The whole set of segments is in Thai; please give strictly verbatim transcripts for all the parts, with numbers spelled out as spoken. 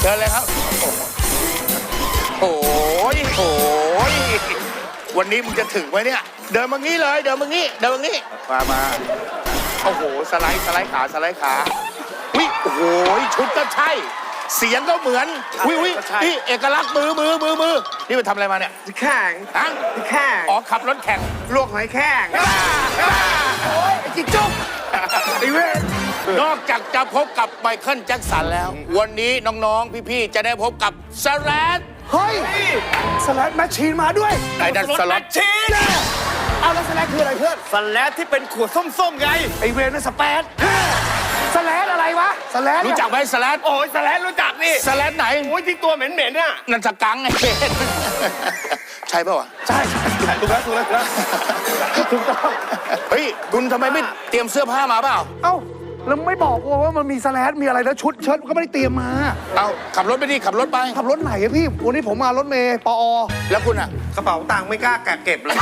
ชิญเลยครับโอ้ยโอ้ยวันนี้มึงจะถึงไหมเนี่ยเดินมางี้เลยเดินมางี้เดินมางี้มามาโอ้โหสไลด์สไลด์ขาสไลด์ขาวิโอ้โหชุดก็ใช่เสียงก็เหมือนวิวินี่เอกลักษณ์มือมือมือมือนี่ไปทำอะไรมาเนี่ยแข่งฮะแข่งอ๋อขับรถแข่งลวกหอยแข้งโอ้ยจิจุ๊บไอ้เว้ยนอกจากจะพบกับไมเคิลแจ็คสันแล้ว วันนี้น้องๆพี่ๆจะได้พบกับสแลตเฮ้ยสแลดแมชชีนมาด้วยไอ้นั่นสล็อตชีนเอาแล้วสแลดคืออะไรเพื่อนสแลดที่เป็นขวดส้มๆไงไอเวนนั่นสเปซสแลดอะไรวะสแลดรู้จักไหมสแลตโอ้ยสแลดรู้จักนี่สแลตไหนโอ้ยที่ตัวเหม็นๆน่ะนั่นสกังไอ้เวนใช่ป่าวะใช่ใช่ถูกแล้วถูกแล้วถูกต้องเฮ้ยคุณทำไมไม่เตรียมเสื้อผ้ามาเปล่าเอ้าแล้วไม่บอกว่ามันมีสแลดมีอะไรแล้วชุดเชิ้ตก็ไม่ได้เตรียมมาเอาขับรถไปดิขับรถไปขับรถไหนอะพี่วันนี้ผมมารถเมย์ปอแล้วคุณอ่ะกระเป๋าตังค์ไม่กล้าแกะเก็บเลย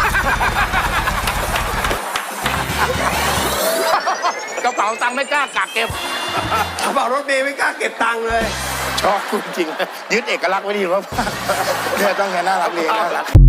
กระเป๋าตังค์ไม่กล้ากักเก็บกระเป๋ารถเมย์ไม่กล้าเก็บตังค์เลยชอบคุณจริงยึดเอกลักษณ์ไว้ดีมากเนี่ยต้องไงน่ารักเรียนน่ารัก